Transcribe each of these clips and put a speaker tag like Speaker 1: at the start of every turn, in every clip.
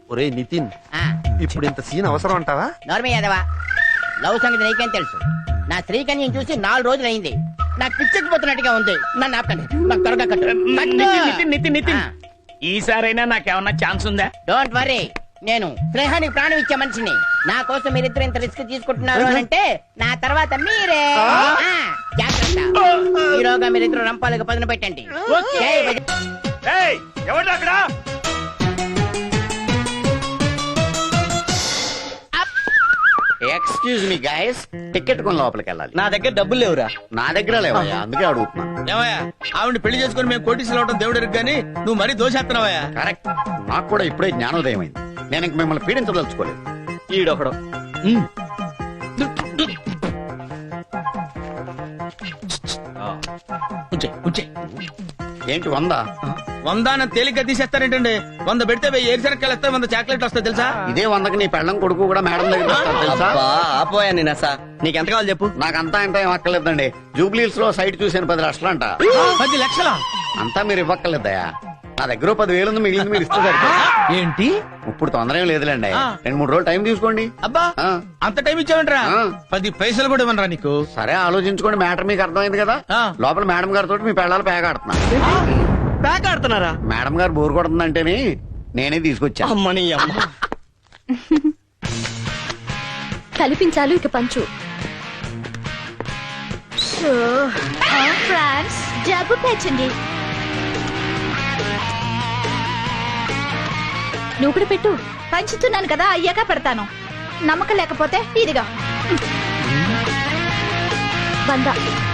Speaker 1: ఒరే నితిన్, ఇప్పుడు ఇంత సీన్ అవసరం అంటావా?
Speaker 2: నార్మల్ యాదవా, లవ్ సంగతి నీకేం తెలుసు? నా స్త్రీకన్యం చూసి 4 రోజులు అయింది. నాకు పిచ్చెక్కిపోతున్నట్టుగా ఉంది. నన్ను ఆపండి, నాకు త్వరగా కట్టు.
Speaker 3: నితిన్ ఈసారైనా నాకేమన్నా ఛాన్స్ ఉందా?
Speaker 2: డోంట్ వరీ, నేను స్నేహానికి ప్రాణం ఇచ్చే మనిషిని. నా కోసం మీరిద్దరు ఇంత రిస్క్ తీసుకుంటున్నారు అని అంటే నా తర్వాత మీరే. జాగ్రత్త, ఈరోగా మీరిద్దరు రంపాలకు పదును పెట్టండి.
Speaker 3: ఎవరు అక్కడ?
Speaker 4: ఎక్స్క్యూజ్ మీ గైస్, టికెట్ కొని లోపలికి వెళ్ళాలి.
Speaker 1: నా దగ్గర డబ్బులు లేవురా.
Speaker 4: నా దగ్గర లేవయ్యా, అందుకే అడుగుతున్నా.
Speaker 5: ఏమయ్యా, ఆవిడ పెళ్లి చేసుకుని మేము కోటీసులు అవడం దేవుడు ఎరుగు గానీ నువ్వు మరీ దోషేస్తున్నావయ్యా.
Speaker 4: కరెక్ట్, నాకు కూడా ఇప్పుడే జ్ఞానోదయం అయింది. నేను ఇంక మిమ్మల్ని పీడించదలుచుకోలేదు.
Speaker 1: ఈడొకడు
Speaker 4: ఏంటి 100?
Speaker 5: 100 తేలిగ్గా తీసేస్తారేంటండి? 100 పెడితే 1000 ఏరుశనక్కాయలు వస్తాయి, 100 చాక్లెట్ వస్తాయి తెలుసా?
Speaker 4: ఇదే 100కి నీ పెళ్ళం కొడుకు కూడా మేడం దగ్గర వస్తారు తెలుసా?
Speaker 1: ఆపోయా నేను అసా. నీకెంత కావాలి చెప్పు.
Speaker 4: నాకంతా ఇంత ఏం అక్కర్లేదండి. జూబ్లీస్ లో సైట్ చూసాను 10 లక్షలు అంట.
Speaker 5: 10 లక్షలా?
Speaker 4: అంతా మీరు ఇవ్వక్కర్లేదయా. నా దగ్గర 10,000 ఉంది, మిగిలింది మీరు ఇస్తారు.
Speaker 5: ఏంటి
Speaker 4: ఇప్పుడు తొందర ఏం లేదులేండి, 2-3 రోజులు టైం తీసుకోండి.
Speaker 5: అబ్బా, అంత టైం ఇచ్చావంటరా? 10 పైసలు కూడా ఇవ్వనరా నీకు?
Speaker 4: సరే ఆలోచించుకోండి, మ్యాటర్ మీకు అర్థమైంది కదా. లోపల మేడం గారితో మీ పెళ్ళాలు పేక ఆడుతున్నా.
Speaker 1: ప్యాక్ ఆడుతున్నారా?
Speaker 4: మేడం గారు బోర్ కొడుతుందంటేనే నేనే తీసుకొచ్చా.
Speaker 1: అమ్మని అమ్మ.
Speaker 6: కల్పించాలు ఇక పంచు. ఫ్రాన్స్ జబ్బు పెంచండి. నువ్వు కూడా పెట్టు. పంచుతున్నాను కదా, అయ్యాక పెడతాను. నమ్మకం లేకపోతే ఇదిగా 100.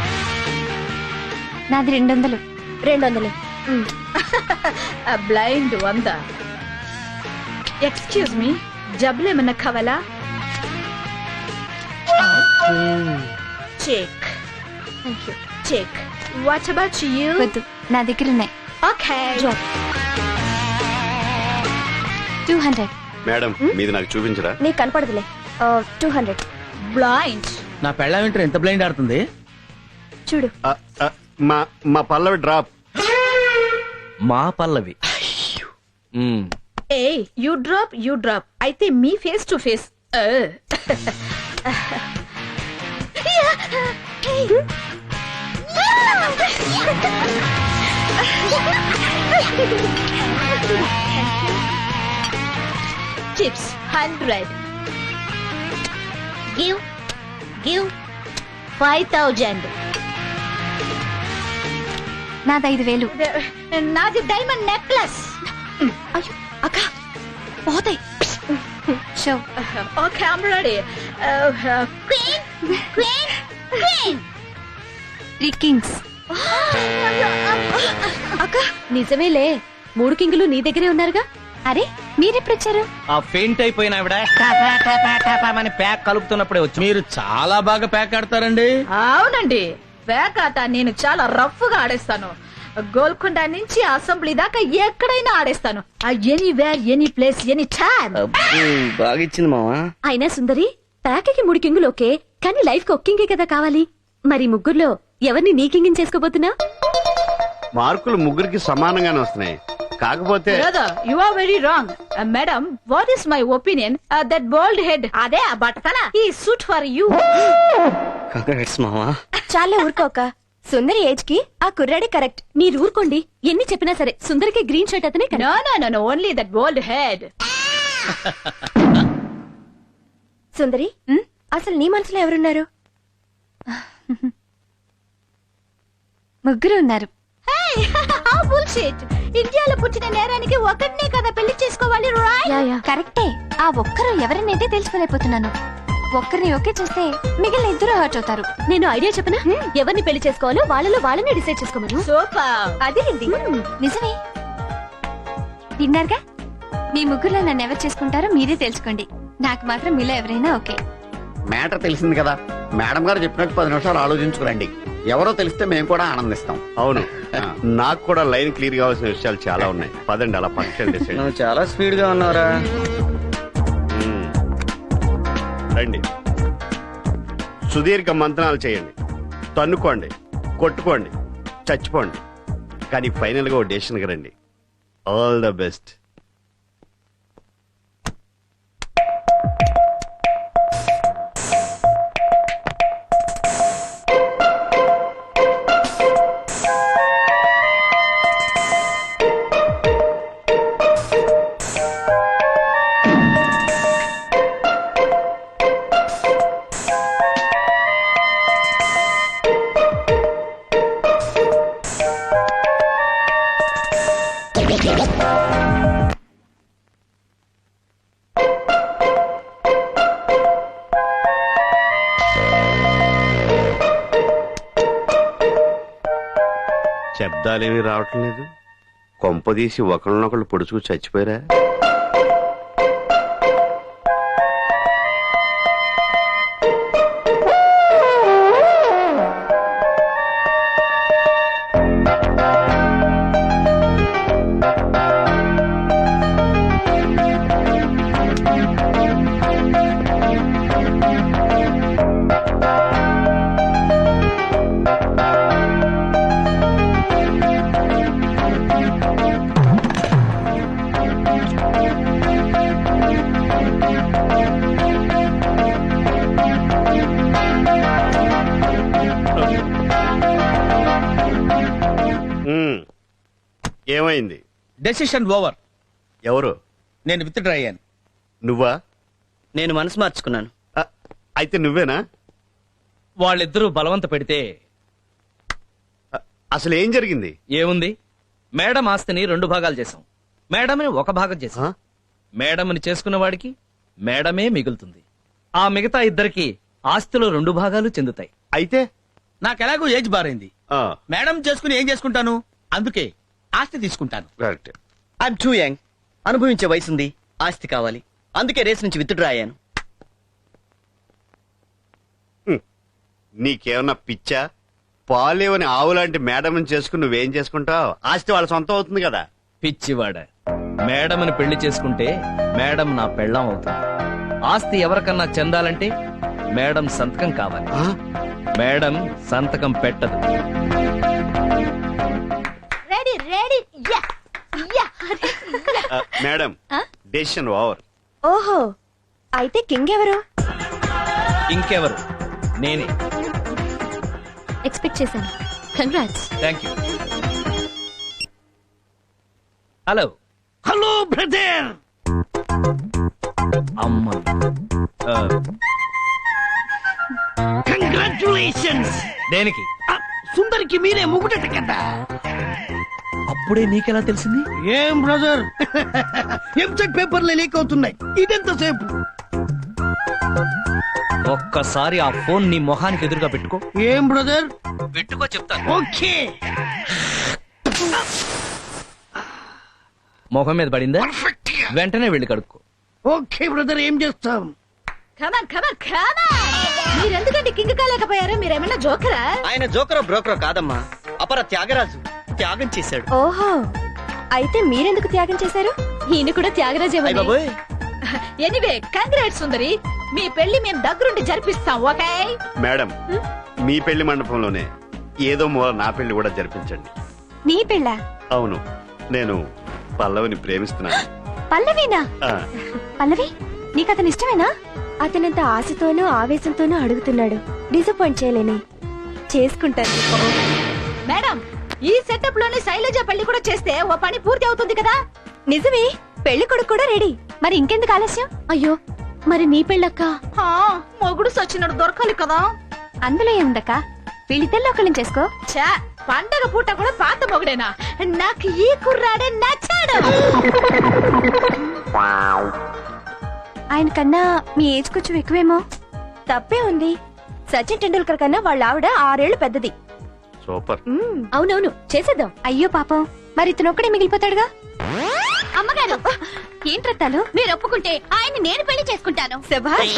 Speaker 6: నాది 200. 200. బ్లైండ్ 100. ఎక్స్క్యూజ్ మీ, జబ్బులు ఏమన్నా కావాలా? Check. Check. What about you? వద్దు, నా దగ్గర ఉన్నాయి. ఓకే. 200.
Speaker 7: మేడం, మీది నాకు చూపించరా?
Speaker 6: నీకు కనపడదులే. 200. బ్లైండ్.
Speaker 5: నా పెళ్ళ వింటర్ ఎంత బ్లైండ్ ఆడుతుంది
Speaker 6: చూడు.
Speaker 7: మా పల్లవి డ్రాప్.
Speaker 1: మా పల్లవి.
Speaker 6: ఏ యూ డ్రాప్ అయితే మీ face to face. Chips 100. Give 5000. నాది 5000. నాది డైమండ్ నెక్లెస్. అక్క పోతాయి. Show. Okay, I'm ready. Queen. 3 kings. అక్క నిజమేలే, 3 కింగులు నీ దగ్గరే ఉన్నారుగా. అరే మీరెప్పుడు వచ్చారు?
Speaker 1: ఆ ఫెయింట్ అయిపోయిన ఆవిడ అని ప్యాక్ కలుపుతున్నప్పుడే వచ్చి.
Speaker 5: మీరు చాలా బాగా ప్యాక్ ఆడతారండి.
Speaker 6: అవునండి, ప్యాక్ ఆట నేను చాలా రఫ్ గా ఆడేస్తాను. గోల్కొండ నుంచి అసెంబ్లీ దాకా ఎక్కడైనా ఆడేస్తాను. Anywhere, any place, any time.
Speaker 1: బాగా ఇచ్చింది మావా.
Speaker 6: అయినా సుందరి, ప్యాక్కి 3 కింగులు ఓకే, కానీ లైఫ్ కి ఒక కింగే కదా కావాలి. మరి ముగ్గురులో ఎవరిని నీ కింగిని చేసుకోబోతున్నా?
Speaker 7: మార్కులు ముగ్గురికి సమానంగానే వస్తున్నాయి. కాకపోతే
Speaker 6: you are very wrong madam. What is my opinion? That bold head, అదే ఆ బట్టతల, ఈ సూట్ ఫర్ యూ.
Speaker 1: కంగ్రాట్స్ మావా.
Speaker 6: చాలా ఊరుకోక, సుందరి ఏజ్ కి ఆ కుర్రాడే కరెక్ట్. మీరు ఊరుకోండి, ఎన్ని చెప్పినా సరే సుందరికి గ్రీన్ షర్ట్ అతనే. No only that bold head. సుందరి, అసలు నీ మనసులో ఎవరున్నారు? ముగ్గురు ఉన్నారు. ఇండియాలో పుట్టిన నేరానికి ఒకటినే కదా పెళ్లి చేసుకోవాలి. కరెక్టే, ఆ ఒక్కరు ఎవరినైతే తెలుసుకోలేకపోతున్నాను. ఒక్కరిని ఓకే చేస్తే మిగిలిన 2 హర్ట్ అవుతారు. నేను ఐడియా చెప్పనా? ఎవరిని పెళ్లి చేసుకోవాలో వాళ్ళలో వాళ్ళని డిసైడ్ చేసుకోమను. అదే నిజమే. విన్నారుగా, మీ ముగ్గురులో నన్ను ఎవరు చేసుకుంటారో మీరే తెలుసుకోండి. నాకు మాత్రం మీలో ఎవరైనా ఓకే.
Speaker 4: మ్యాటర్ తెలిసింది కదా, మేడం గారు చెప్పినట్టు 10 నిమిషాలు ఆలోచించుకురండి. ఎవరో తెలిస్తే మేము కూడా ఆనందిస్తాం.
Speaker 7: అవును, నాకు కూడా లైన్ క్లియర్ కావాల్సిన విషయాలు చాలా ఉన్నాయి. పదండి, అలా పక్కన డిసైడ్.
Speaker 1: నువ్వు చాలా స్పీడ్ గా ఉన్నారా?
Speaker 7: రండి, సుదీర్ఘ మంత్రాలు చేయండి, తన్నుకోండి, కొట్టుకోండి, చచ్చిపోండి, కానీ ఫైనల్ గా ఓ డెసిషన్ కి రండి. All the best. శబ్దాలేమీ రావటం లేదు. కొంపదీసి ఒకళ్ళనొకళ్ళు పొడుచుకు చచ్చిపోయారా? ఉమ్. ఏమైంది?
Speaker 5: Decision over.
Speaker 7: ఎవరు?
Speaker 5: నేను విత్డ్రా అయ్యాను.
Speaker 7: నువ్వా?
Speaker 8: నేను మనసు మార్చుకున్నాను.
Speaker 7: ఆ, అయితే నువ్వేనా?
Speaker 1: వాళ్ళిద్దరూ బలవంత పెడితే
Speaker 7: అసలు ఏం జరిగింది?
Speaker 1: ఏముంది, మేడం ఆస్తిని 2 భాగాలు చేశాం, మేడంని 1 భాగం చేశాం.
Speaker 7: ఆ?
Speaker 1: మేడంని చేసుకున్న వాడికి మేడమే మిగులుతుంది. ఆ మిగతా ఇద్దరికి ఆస్తిలో 2 భాగాలు చెందుతాయి.
Speaker 7: అయితే
Speaker 5: నాకు ఎలాగో ఏజ్ బారైంది.
Speaker 7: ఆ,
Speaker 5: మేడం చేసుకుని ఏం చేసుకుంటాను, అందుకే ఆస్తి తీసుకుంటాను.
Speaker 7: కరెక్ట్.
Speaker 8: I'm too young. అనుభవించే వయసుంది, ఆస్తి కావాలి. అందుకే రేస్ నుంచి విత్డ్రా అయ్యాను.
Speaker 7: నీకేమన్నా పిచ్చా? పాలేవని ఆవులాంటి మేడం చేసుకుని నువ్వేం చేసుకుంటావు? ఆస్తి వాళ్ళ సొంతం అవుతుంది కదా.
Speaker 1: పిచ్చివాడ, మేడంని పెళ్లి చేసుకుంటే మేడం నా పెళ్ళాం అవుతుంది. ఆస్తి ఎవరికన్నా చెందాలంటే మేడం సంతకం కావాలి.
Speaker 7: ఆ?
Speaker 1: మేడం సంతకం పెట్టదు.
Speaker 6: రెడీ రెడీ యా యా
Speaker 7: ఆ, మేడం డెసిషన్ ఓవర్.
Speaker 6: ఓహో, అయితే కింగ్ ఎవరు?
Speaker 1: ఇంకెవరు, నేనే.
Speaker 6: ఎక్స్పెక్ట్ చేశాను. Congrats.
Speaker 1: Thank you. Hello.
Speaker 3: Hello brother.
Speaker 1: అమ్మ.
Speaker 3: కంగ్రాచులేషన్స్.
Speaker 1: దేనికి?
Speaker 3: సుందరికి మీరే ముగుటట కదా.
Speaker 1: అప్పుడే నీకెలా తెలిసింది?
Speaker 3: ఏం బ్రదర్, ఎంసెట్ పేపర్లు లీక్ అవుతున్నాయి. ఇదెంతసేపు?
Speaker 1: ఒక్కసారి ఆ ఫోన్ నీ మొహానికి ఎదురుగా పెట్టుకో.
Speaker 3: ఏం బ్రదర్?
Speaker 1: పెట్టుకో చెప్తాను.
Speaker 3: ఓకే.
Speaker 1: మొహం మీద పడిందా?
Speaker 3: పర్ఫెక్ట్ గా.
Speaker 1: వెంటనే వెళ్ళి కడుక్కో.
Speaker 3: ఓకే బ్రదర్, ఏం చేస్తాం?
Speaker 6: Come on come on come on. మీరెందుకంటే కింగ్ కాలేకపోయారు? మీరేమన్నా జోకరా?
Speaker 8: ఆయన జోకరో బ్రోకరో కాదమ్మా, అపర త్యాగరాజు. త్యాగం చేశాడు.
Speaker 6: ఓహో, అయితే మీరెందుకు త్యాగం చేశారు? ఈయన కూడా త్యాగరాజే.
Speaker 8: అయ్ బాబోయ్.
Speaker 6: ఎనీవే కంగ్రాట్స్ సుందరి, మీ పెళ్లి మేము దగ్గరుండి జరిపిస్తాం. ఓకే?
Speaker 7: మేడం, మీ పెళ్లి మండపంలోనే ఏదో మూల నా పెళ్లి కూడా జరిపించండి.
Speaker 6: నీ పెళ్ళ?
Speaker 7: అవును, నేను పల్లవిని ప్రేమిస్తున్నాను.
Speaker 6: పల్లవినా?
Speaker 7: ఆ,
Speaker 6: పల్లవి, నీకు అతను ఇష్టమేనా? అతనంత ఆశతోనూ ఆవేశంతోనూ అడుగుతున్నాడు. డిసప్పాయింట్ చేయలేని చేసుకుంటాను. మేడం, ఈ సెటప్ లోనే శైలజ పెళ్లి కూడా చేస్తే ఓ పని పూర్తి అవుతుంది కదా. నిజమే, పెళ్లి కొడుకు కూడా రెడీ. మరి ఇంకెందుకు ఆలస్యం? అయ్యో, మరి నీ పెళ్ళక్క? మొగుడు సచ్చినడు దొరకాలి కదా. అందులో ఏముందక్క, వీళ్ళిద్దరిలో ఒకళ్ళని చేసుకో. చా, పండగ పూట కూడా పాత మొగుడేనా? నాకు ఈ కుర్రాడే నచ్చాడు. ఆయన కన్నా మీ ఏజ్ కొంచెం ఎక్కువేమో. తప్పే ఉంది, సచిన్ టెండూల్కర్ కన్నా వాళ్ళ ఆవిడ 6 ఏళ్లు పెద్దది.
Speaker 7: సూపర్.
Speaker 6: అవునవును, చేసేద్దాం. అయ్యో పాపం, మరి ఇతను ఒక్కడే మిగిలిపోతాడుగా. అమ్మగారు, ఏంట్రత్తాలు? మీరు ఒప్పుకుంటే ఆయన్ని నేను పెళ్లి చేసుకుంటాను. శభాష్,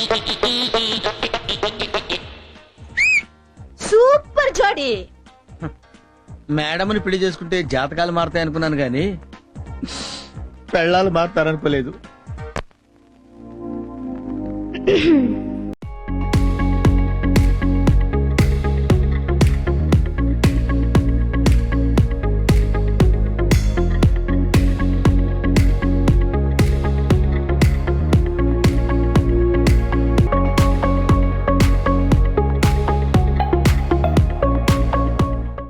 Speaker 6: సూపర్ జోడీ.
Speaker 5: మేడంని పెళ్లి చేసుకుంటే జాతకాలు మారుతాయి అనుకున్నాను గాని పెళ్ళాలు మారుతారనుకోలేదు.